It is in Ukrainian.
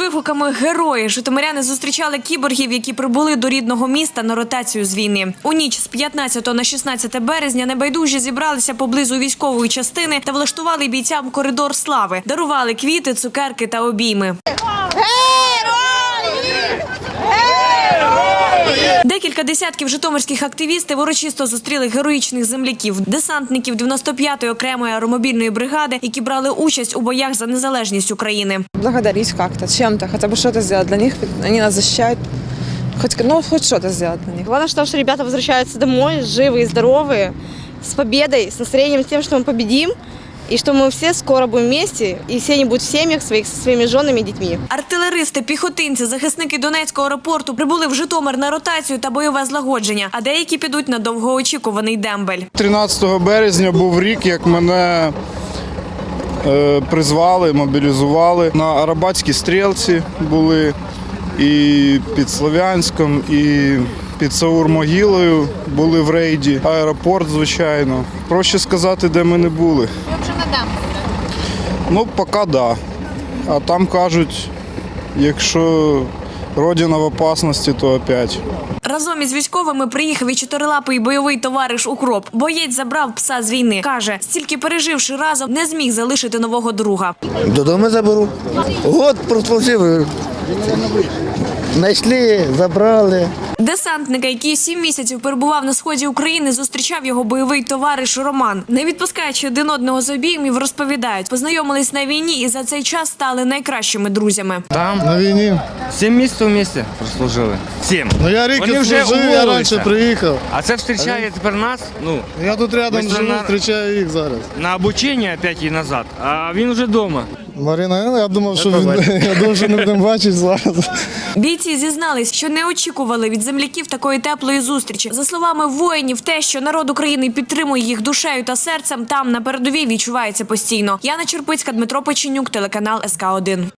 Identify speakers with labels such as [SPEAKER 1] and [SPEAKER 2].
[SPEAKER 1] вигуками «Герої» житомиряни зустрічали кіборгів, які прибули до рідного міста на ротацію з війни. У ніч з 15 на 16 березня небайдужі зібралися поблизу військової частини та влаштували бійцям коридор слави. Дарували квіти, цукерки та обійми. Декілька десятків житомирських активістів урочисто зустріли героїчних земляків, десантників 95-ї окремої аеромобільної бригади, які брали участь у боях за незалежність України.
[SPEAKER 2] Благодарить как-то, чем-то, хотя бы что-то сделать для них. Они нас защищают. Хоть что-то сделать для них.
[SPEAKER 3] Главное, что ребята возвращаются домой, живые, здоровые, с победой, с настроением тем, что мы победим. І що ми всі скоро будемо вместе, і всі вони будуть в сім'ях своїх зі своїми жінами і дітьми.
[SPEAKER 1] Артилеристи, піхотинці, захисники Донецького аеропорту прибули в Житомир на ротацію та бойове злагодження, а деякі підуть на довгоочікуваний дембель.
[SPEAKER 4] 13 березня був рік, як мене призвали, мобілізували. На Арабатській стрілці були і під Слов'янськом, і під Саур-Могилою були в рейді. Аеропорт, звичайно. Проще сказати, де ми не були.
[SPEAKER 5] Ви вже на дамбі?
[SPEAKER 4] Ну, поки да. А там кажуть, якщо родина в опасності, то опять.
[SPEAKER 1] Разом із військовими приїхав і чотирилапий бойовий товариш Укроп. Боєць забрав пса з війни. Каже, стільки переживши разом, не зміг залишити нового друга.
[SPEAKER 6] Додому заберу. Год прослужив. Знайшли, забрали.
[SPEAKER 1] Десантника, який 7 місяців перебував на сході України, зустрічав його бойовий товариш Роман. Не відпускаючи один одного з обіймів, розповідають, познайомились на війні і за цей час стали найкращими друзями.
[SPEAKER 7] Там
[SPEAKER 8] На війні.
[SPEAKER 7] 7 місяців вместе прослужили. 7.
[SPEAKER 8] Ну я рік
[SPEAKER 7] Вони вже
[SPEAKER 8] служив, я
[SPEAKER 7] уволилися.
[SPEAKER 8] раніше приїхав.
[SPEAKER 7] А це зустрічає тепер нас,
[SPEAKER 8] Я тут рядом
[SPEAKER 7] Ми
[SPEAKER 8] живу,
[SPEAKER 7] на-
[SPEAKER 8] зустрічаю їх зараз.
[SPEAKER 7] на обучення 5 і назад, а він вже вдома.
[SPEAKER 8] Марина, я думав, що не будемо бачити зараз.
[SPEAKER 1] Бійці зізнались, що не очікували від земляків такої теплої зустрічі. За словами воїнів, те, що народ України підтримує їх душею та серцем, там на передовій відчувається постійно. Яна Черпицька, Дмитро Печенюк, телеканал СК1.